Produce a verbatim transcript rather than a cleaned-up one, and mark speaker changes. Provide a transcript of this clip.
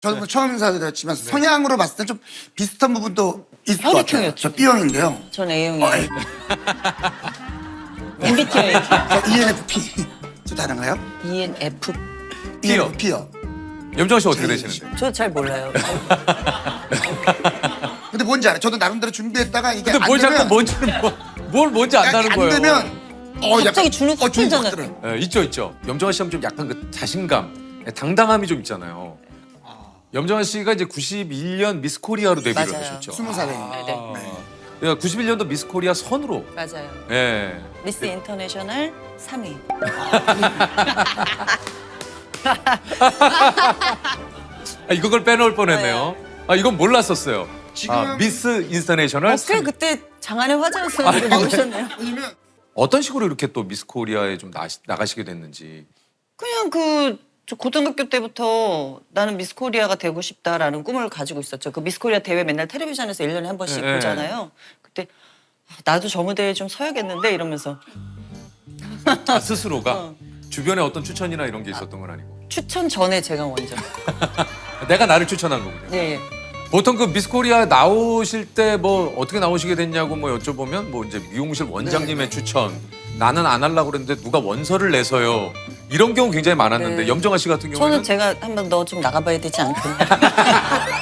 Speaker 1: 저도 뭐 처음 인사드렸지만 성향으로 봤을 때 좀 비슷한 부분도 있을 것 같아요.
Speaker 2: 혈액형이었죠.
Speaker 1: 저 B형인데요.
Speaker 2: 전
Speaker 1: 어,
Speaker 2: A형이에요.
Speaker 1: 에이,
Speaker 2: 엠비티아이.
Speaker 1: 저 이엔에프피. 저 다른가요?
Speaker 2: 이엔에프.
Speaker 1: 이엔에프피요.
Speaker 3: 염정아 씨 어떻게
Speaker 1: 제이.
Speaker 3: 되시는데?
Speaker 2: 저 잘 몰라요.
Speaker 1: 근데 뭔지 알아요. 저도 나름대로 준비했다가 이게
Speaker 3: 근데
Speaker 1: 안
Speaker 3: 뭘
Speaker 1: 되면
Speaker 3: 자꾸 뭔지를 뭐, 뭘 뭔지 안다는
Speaker 1: 안
Speaker 3: 거예요.
Speaker 1: 되면 어,
Speaker 2: 갑자기
Speaker 1: 약간,
Speaker 2: 주눅 확
Speaker 1: 주눅
Speaker 2: 들잖아요.
Speaker 1: 들어요.
Speaker 3: 예, 있죠, 있죠. 염정아 씨하면 좀 약간 그 자신감, 당당함이 좀 있잖아요. 염정아 씨가 이제 구십일 년 미스 코리아로 데뷔를
Speaker 2: 맞아요.
Speaker 3: 하셨죠.
Speaker 1: 스무 살에.
Speaker 2: 네네.
Speaker 3: 네. 구십일 년도 미스 코리아 선으로.
Speaker 2: 맞아요.
Speaker 3: 예.
Speaker 2: 미스 인터내셔널 삼 위.
Speaker 3: 아, 이걸 빼놓을 뻔했네요. 아, 이건 몰랐었어요.
Speaker 1: 지금-
Speaker 3: 아, 미스 인터내셔널
Speaker 2: 어떻게
Speaker 3: 삼 위.
Speaker 2: 그때 장안의 화제였었는데 모르셨네요.
Speaker 1: 왜냐면
Speaker 3: 어떤 식으로 이렇게 또 미스 코리아에 좀 나, 나가시게 됐는지.
Speaker 2: 그냥 그 저 고등학교 때부터 나는 미스 코리아가 되고 싶다라는 꿈을 가지고 있었죠. 그 미스 코리아 대회 맨날 텔레비전에서 일 년에 한 번씩
Speaker 3: 네.
Speaker 2: 보잖아요. 그때 아, 나도 저 무대에 좀 서야겠는데 이러면서
Speaker 3: 아, 스스로가
Speaker 2: 어.
Speaker 3: 주변에 어떤 추천이나 이런 게 있었던 건 아니고.
Speaker 2: 추천 전에 제가 먼저.
Speaker 3: 내가 나를 추천한 거군요.
Speaker 2: 예, 예.
Speaker 3: 보통 그 미스 코리아 나오실 때 뭐 어떻게 나오시게 됐냐고 뭐 여쭤보면 뭐 이제 미용실 원장님의 추천, 나는 안 하려고 그랬는데 누가 원서를 내서요. 이런 경우 굉장히 많았는데
Speaker 2: 네.
Speaker 3: 염정아 씨 같은 경우에는
Speaker 2: 저는 제가 한번 너 좀 나가봐야 되지 않겠냐.